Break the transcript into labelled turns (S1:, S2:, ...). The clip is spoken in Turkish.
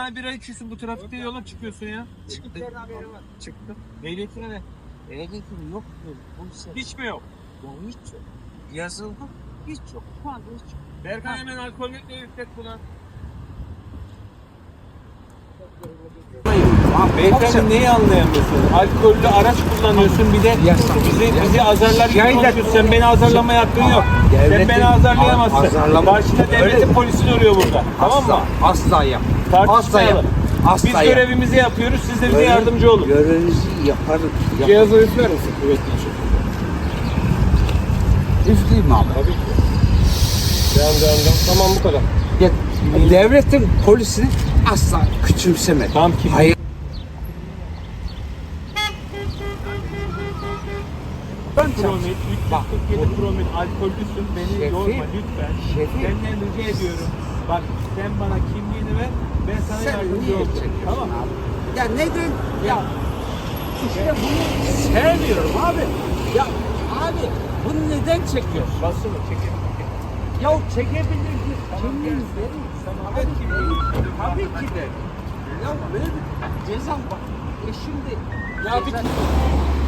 S1: tane bira içiyorsun bu trafikte yola çıkıyorsun ya.
S2: Çıktım.
S1: Ehliyetine ne?
S2: Ehliyetim yok diyor.
S1: Hiç mi yok?
S2: Ya hiç yok. Yazıldı. Hiç yok. Şu anda hiç yok.
S1: Berkay hemen alkollü yüklet buna. Beyefendi neyi anlayamıyorsun? Alkollü araç kullanıyorsun bir de bizi azarlar gibi konuşuyorsun. Sen beni azarlamaya hakkın yok. Sen beni azarlayamazsın. Karşında devletin polisi duruyor burada. Tamam mı?
S2: Asla yap.
S1: Tartışmayalım.
S2: Asla
S1: Biz
S2: yap.
S1: görevimizi yapıyoruz. Siz de bize yardımcı olun.
S2: Görevinizi yaparız.
S1: Cihazı üfler misin? Kuvvetli için.
S2: Üfleyeyim abi.
S1: Tabii ki. Devam. Tamam bu kadar.
S2: Ya, devletin polisini asla küçümseme.
S1: Tamam ki.
S2: Hayır.
S1: Promil, 347 promil alkollüsün, beni
S2: Şefim,
S1: yorma lütfen.
S2: şefim.
S1: Senden rica ediyorum. Bak sen bana kimliğini ver, ben sana
S2: Sen
S1: yardımcı
S2: niye
S1: olacağım.
S2: çekiyorsun
S1: Tamam mı?
S2: abi? Ya neden? Ya işte bunu sevmiyorum abi. Ya abi bunu neden çekiyorsun?
S1: Basını çekelim.
S2: Ya çekebilirsin. Kimliğini verin.
S1: Tamam, ver kimliğini.
S2: Tabii ki de. Ya böyle bir ceza bak. Şimdi
S1: Ya bir